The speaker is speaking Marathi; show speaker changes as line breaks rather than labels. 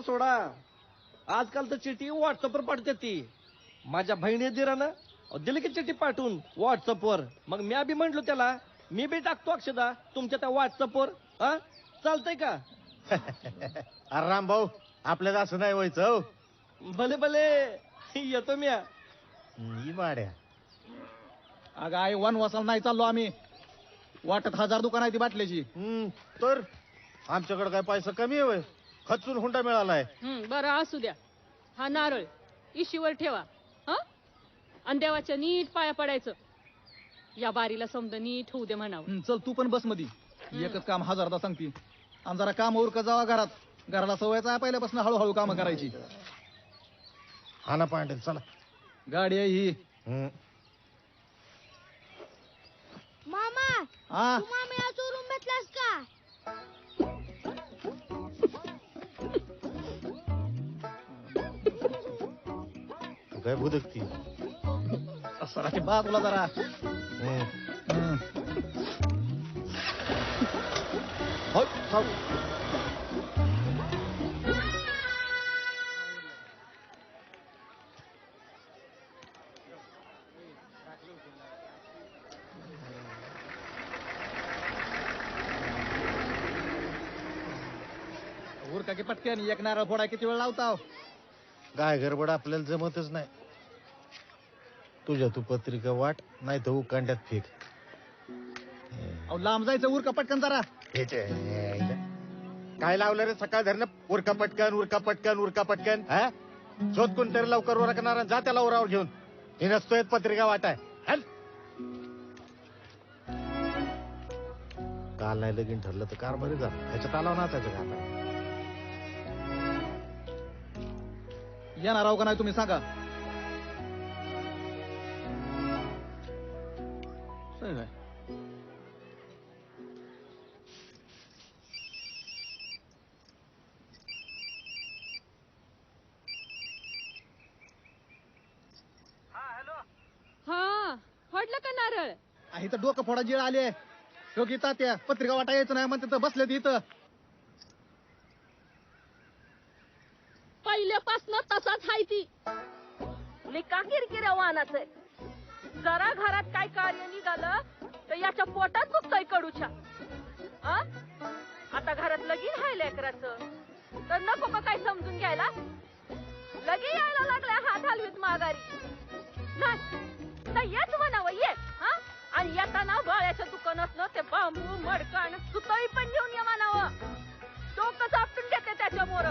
सोडा, आजकाल तर चिठी व्हॉट्सअपवर पाठवते ती. माझ्या बहिणी दिरानं दिली की चिठी पाठवून व्हॉट्सअपवर. मग मी बी म्हंटलो त्याला, मी बी टाकतो अक्षदा तुमच्या त्या व्हॉट्सअपवर. चालतंय का?
अरे राम भाऊ, आपल्याला असं नाही व्हायचं हो.
भले भले येतो मी.
माड्या
अगं आई वनवासाला नाही चाललो आम्ही. वाटत 1000 दुकान आहे ती बाटल्याची.
तर आमच्याकडे काय पैसा कमी आहे? खचून हुंडा मिळालाय.
बरं असू द्या. हा नारळ इशीवर ठेवा. आणि देवाच्या नीट पाया पडायचं. या बारीला समज नीट होऊ दे म्हणावं.
चल तू पण बस मध्ये. एकच काम 1000दा सांगते. आणि जरा काम उरका जावा घरात. घराला सवयचा आहे पहिल्यापासून हळूहळू काम करायची.
हा ना पांडेल, चला.
गाडी आहे ही.
मामा
हा
तू मामीला चोरून भेटलास का?
तू काय बुदकती?
सराची बाजूला जरा. उरका की पटकन. एक नारळ फोडा किती वेळ लावता?
काय गडबड आपल्याला जमतच नाही. तुझ्या तू पत्रिका वाट, नाही तर उकांड्यात फेक.
लांब जायचं. उरका पटकन जरा.
काय लावलं रे सकाळ धरणं? उरका पटकन, उरका पटकन, उरका पटकन. हा शोध कोणतरी लवकर उरकणार. जा त्याला उरावर घेऊन. हे नसतोय पत्रिका वाटाय. काल नाही लगीन ठरलं तर कार बरे झालं. त्याच्यात आला नाचायचं का आता?
येणार आहो का नाही तुम्ही सांगा.
हा फोडलं का नारळ?
इथं डोकं फोडा जीळ आले. योगी तात्या पत्रिका वाटा यायचं नाही म्हणते तर बसले इथं.
पहिल्यापासून तसाच हाय ती. लिका किरकिऱ्या वाहनाचं. जरा घरात काय कार्य निघालं तर याच्या पोटात दुखतंय कडूच्या. आता घरात लगीन हाय लेकराचं तर नको का काय समजून घ्यायला? लगी यायला लागलाय हात हलवीत माघारी. नाही येच म्हणावं ये. आणि येताना बाळ्याच्या दुकानातलं ते बांबू मडकण सुतळी पण घेऊन ये म्हणावं. डोकं चापटून घेते त्याच्यामुळं.